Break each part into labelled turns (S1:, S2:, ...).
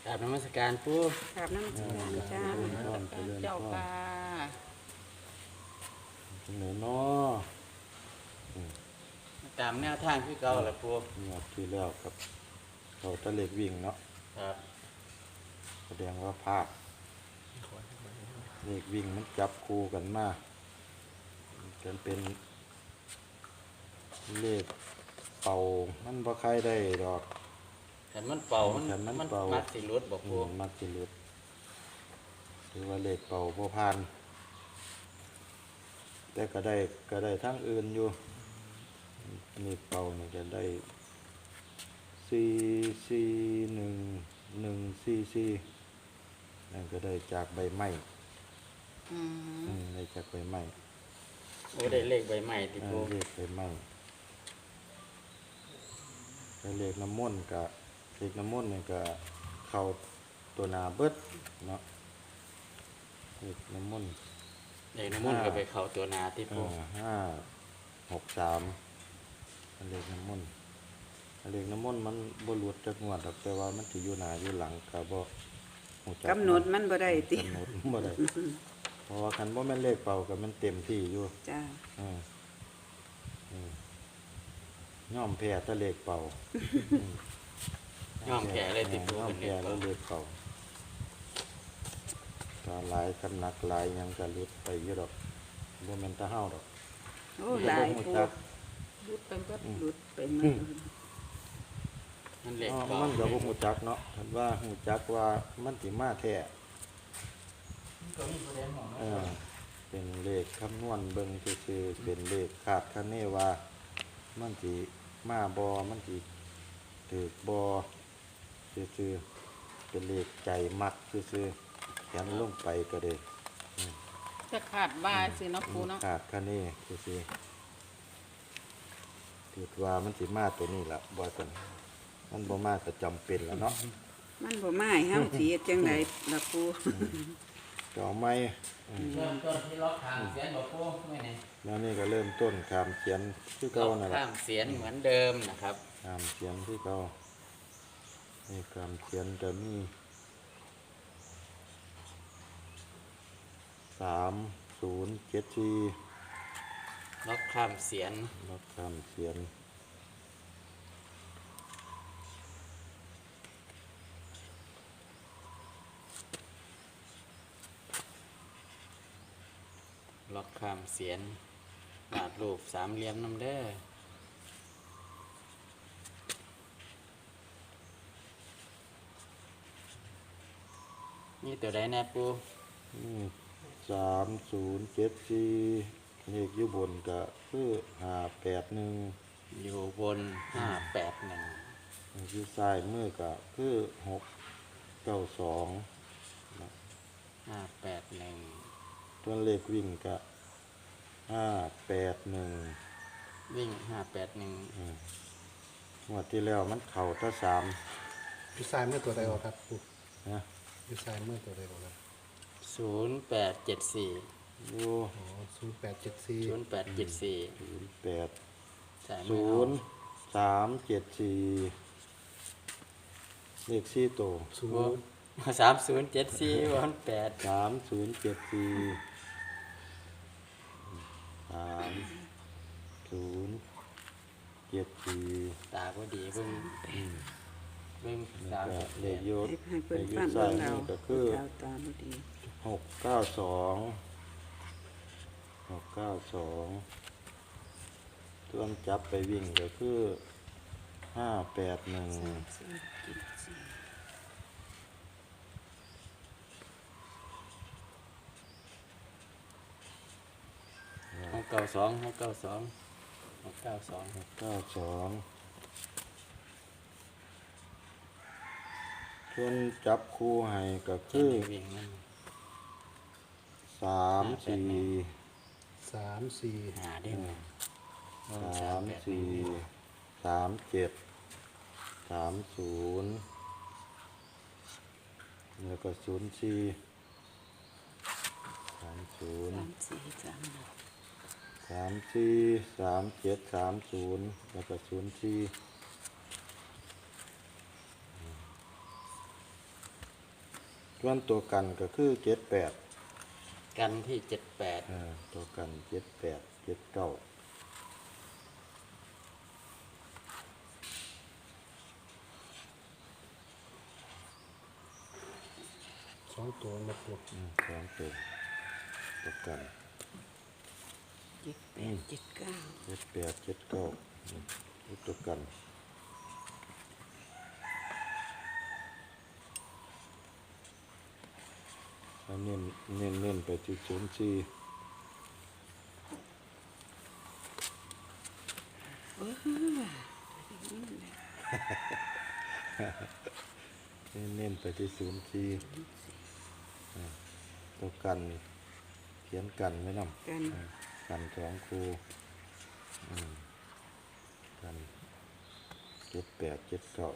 S1: ราบนมัสการปู่
S2: กราบน้ำจีนจ้า
S1: เจ้าค่ะ
S3: เหนือน้อ
S1: ตามแนวทางที่เก่าแหละปู่
S3: งวดที่แล้วกับเขาตะเล็กวิ่งเนาะ
S1: ครับ
S3: แสดงว่าพลาดเลขวิ่งมันจับคู่กันมาจนเป็นเลขเป่ามันบ่ใครได้ดอก
S1: ขันมันเป่ามัน
S3: ขันมัน
S1: มัน
S3: เป่า
S1: มัดสิรุดบอกปู่
S3: มักสิหลุดหรือว่าเลขเป่าบ่ผ่าน แต่ก็ได้ทั้งอื่นอยู่นี่เป่านี่ก็ได้44114นั่นก็ได้จากใบไม้ ได้จากใบไม้
S1: โอ้ได้เลขใบใหม่ที่ปู่
S3: เลขใบไม้ก็เลขน้ำมนต์กับเลขน้ำมนต์นี่ก็เข้าตัวหนาเบิดเนาะเลขน้ำมนต์
S1: เลขน้ำมันต์ก็ไปเข้าตัวนาที่ปู่
S3: 563เลขน้ำมนต์เลขน้ำมนต์มันบ่หลุดจากงวดดอกแต่ว่ามันสิอยู่หน้าอยู่หลังก็บ่ฮู้จัก
S2: กำหนดมันบ่ได้ติ
S3: กำหนดบ่ได้เพราะว่าคันบ่แม่นเลขเป่าก็มันเต็มที่อยู่
S2: จ้า
S3: ย่อมแพ้แต่เลขเป่า
S1: ย่อมแก่เลยที่ปู่
S3: ย่อม
S1: เป็นเล
S3: แพ้
S1: ข
S3: แล้ว
S1: เป่า
S3: เลขเป่าก็หลายสำนักหลายหยังก็หลุดไปอยู่ดอกบ่แม่นตาเฮาดอก
S2: โอ้หลาย
S3: บ่
S2: ปู
S3: ฮู้จัก
S2: รุดไปเบิดรุดไปหมด
S1: มันเลข
S3: อ๋อ
S1: เป่า
S3: มันก็บ่ฮู้จักเนาะคันว่าฮู้จักว่ามันสิมาแท้
S1: ก็มีผู้ใดมอง
S3: เป็นเลขคำนวณเบิ่งซื่อๆเป็นเลขคาดคะเนว่ามันสิมาบ่มันสิถูกบ่ซื่อๆเป็นเลขใจมักซื่อๆเขียนลงไปก็ได้
S2: จะขาดว่าสิเนาะปูเนาะ
S3: คาดคะเนซื่อๆคิดว่ามันสิมาตัวนี้ล่ะบ่ซั่นมันบ่มาก็จำเป็นแล้วเนาะ
S2: มันบ่มาให้เฮาสิเฮ็ดจังไดล่ะปู
S3: ก็เอาไม้
S1: เริ่มต้นที่ล็อกทางเสียนบอกปู่ไม่ไหน
S3: แล้วนี่ก็เริ่มต้นคามเขียนคือ
S1: ล็
S3: เก่า
S1: อก
S3: นั่นแหละ
S1: ข้างเสียนเหมือนเดิมนะครับ
S3: คามเขียนคือเก่านี่คามเขียนจะมี3074
S1: ล็อกข้ามเสียน
S3: รับคามเขียน
S1: ล็อกข้ามเสียนวาดรูปสามเหลี่ยมน้ำเด้อนี่ตัวใดแน่ปู่
S3: นี่3074เลขอยู่บนก็คือ581
S1: อยู่บน581
S3: อยู่ซ้ายมือก็คือ692
S1: 581
S3: ตัวเลขวิ่งก็581
S1: วิ่ง581
S3: งวดที่แล้วมันเข้าถ้า
S4: อยู่ซ้ายมือตัวใดออกครับปู่
S3: 3นะ
S4: อยู่ซ้ายมือตัวใดออกครับ
S1: 0874
S3: อยู่
S4: อ๋อ0874
S1: 0874
S3: 8
S1: สายมือ
S3: 0374เลข4ตัว
S1: 3074วัน8
S3: 3074 3074
S1: ตาก็ดีเบิ่งเบิ่ง
S3: แล้วก็เลขยศ
S2: ให้
S3: เล
S2: เพิ่น
S3: ขย
S2: ฟั
S3: ศ
S2: ง
S3: ซ้าย
S2: เบิ่ง
S3: มื
S2: เอา
S3: อก็คือ
S2: เอาตามบ่ดี
S3: 692ส่วนจับไปวิ่งก็คือ581
S1: 692 692 692
S3: 92ส่วนจับคู่ให้ก็คือ
S1: วิ่งมัน
S3: 34
S4: 34
S1: หาได้ไหม
S3: 37 30แล้วก็04 30 34 37 30แล้วก็04 ส่วนตัวกันก็คือเจ็ดแปด
S1: กันที่78
S3: ตัวกันเจ็ดแปดเจ็ดเก้า
S4: สองตัวมาปู
S3: สองตัวตัวกัน
S2: 78 79
S3: เจ็ดแปดเจ็ดเก้าตัวกันแล้วเน้นไปที่ศูนย์สี่เน้นไปที่ศูนย์สี่ตัวกันเขียนกันไว้นำ
S2: กัน
S3: กันสองครูกันเจ็ดแปดเจ็ดเก้า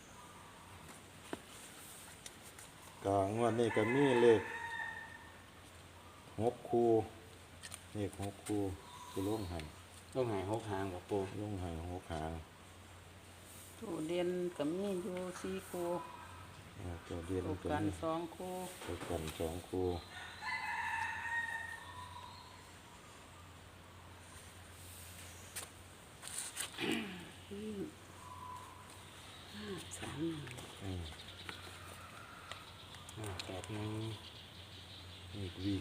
S3: ก็งวดนี้ก็มีเลข6 คู่เลข6 คู่คือลงให้
S1: ต้องหาย6หางบ่ปู
S3: ลงให้6 หาง
S2: ตัวเรียนก็มีอยู่4คู่
S3: ตัวเดียน
S2: ตัว
S3: ตัว
S2: กัน
S3: นี้
S2: 2คู่
S3: ตัวกัน2 คู่อีกวิ่ง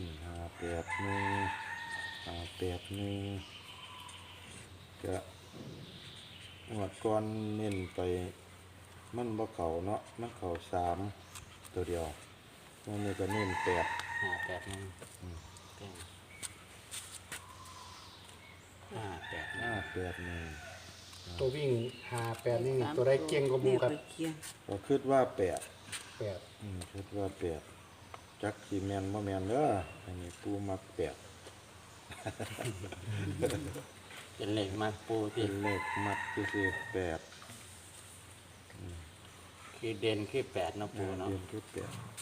S3: 581ก็งวดก่อนเน้นไปมันบ่เข้าเนาะมันเข้า3ตัวเดียววันนี้ก็เน้น8 581
S4: ตัววิ่ง58นี่ตัวได้เก่งกว่าหมูครับ
S2: แไปเคียง
S3: ก็คิดว่า8
S4: 8
S3: คิดว่า8จักสิแม่นบ่แม่นเด้ออันนี้ปูมัก8
S1: เป็นเลขมากปู
S3: เป็
S1: ที่
S3: นเลขมักซื่อๆ8
S1: คือเด่นคือ8เนาะปูเนาะ
S3: เดือนคือ8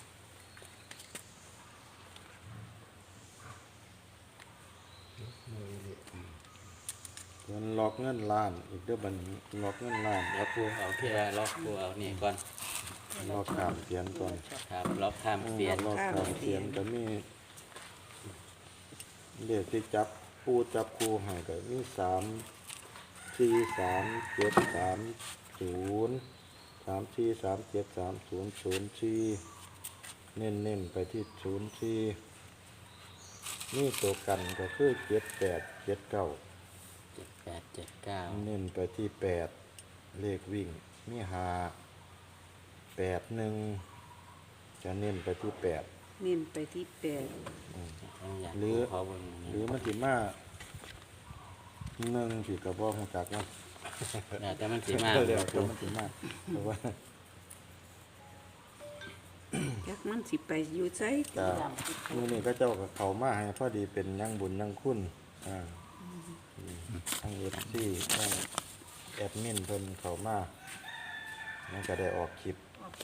S3: มันล็อกเงินล้านอีกเด้อบัดนี้ล็อกเงินล้าน
S1: แล้วปูเอาที่ว่าล็อกปูเอานี่ก่อน
S3: ล็อกขามเสียนก่อน
S1: ครับล็อกข้ามเสียน
S3: ล็อกขามเสียนก็มีเลขที่จับปูจับคู่ให้ก็มี3 4 3 7 3 0 3 4 3 7 3 0 0 4เน้นไปที่0 4นี่ตัวกันก็คือ7 8 7 9
S1: 7879
S3: เน้นไปที่8เลขวิ่งมี5 8 1จะเน้นไปที่8
S2: เน้นไปที่8
S1: อยาก
S3: หรือ
S1: ขอเบิ่ง
S3: หรือมันสิมา1สิก็บ่ฮู้จักเนาะ
S1: แต่มันสิมา
S3: เดี๋ยว
S1: ปู
S3: มันสิมาเพราะว่า
S2: จักมันสิไปอยู่ไส
S3: ก็มื้อนี้ก็เจ้าก็เข้ามาให้พอดีเป็นยังบุญยังคุณทั้ง FC ทั้งแอดมินเพิ่นเข้ามามันก็ได้ออกคลิป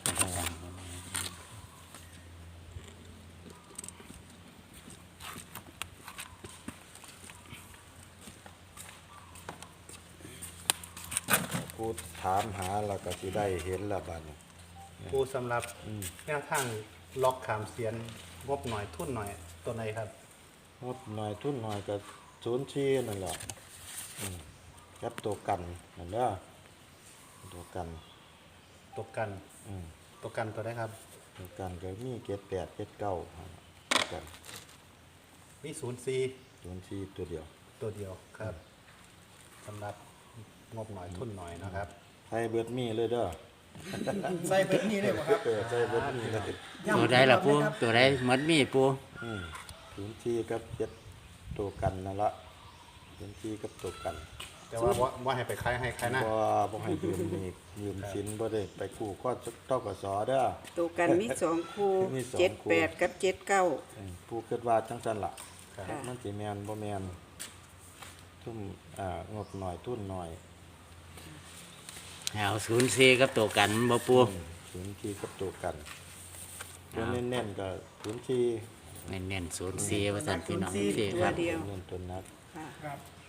S3: กูถามหาแล้วก็สิได้เห็นแล้วบัดนี้
S4: ปูสำหรับแนวทางล็อกขามเสียนงบหน่อยทุนหน่อยตัวไหนครับ
S3: งบหน่อยทุนหน่อยก็04นั่นแหละครับตัวกันนั่นเด้อตัวกัน
S4: ตัวกัน ตัวกันตัวได้ครับ
S3: ตัวกันก็มี78 79กัน
S4: มี04
S3: 04ตัวเดียว
S4: ตัวเดียวครับสำหรับงบหน่อยทุนหน่อยนะครับ
S3: ให้เบิดมีเลยเด้อ
S5: ใส่เป็นนี่เลยบ่ครับ
S3: ใส่เบิดมีเลย
S1: ตัวใดล่ะปูตัวใดหมดมีปู
S3: 04กับ7ตัวกันนั่นละ04กับตัวกัน
S4: แต่ว่าให้ไปคล้ายให้คล้ายหน้า
S3: บ่ให้ยืมนี่ยืมสินบ่ได้ไปกู้ข้อตกสเด้อ
S2: ตัวกันมี2คู่
S3: มีสองคู่
S2: 78กับ79
S3: ผู้คิดว่าจังซั่นล่ะ
S4: ครับ
S2: ค่ะ
S3: มันสิแม่นบ่แม่นทุ่มงบหน่อยทุนหน่อย
S1: เอา04กับตัวกันบ่ปู
S3: 04กับตัวกันตัวเน้นๆก็04
S1: เน้นๆ04ว่าซั่นพี่น้อง
S2: 04
S1: สิ
S2: ตั
S1: คว รับ
S2: เดียว
S3: เน้นตัวนัก
S2: ค่ะ
S5: ครับ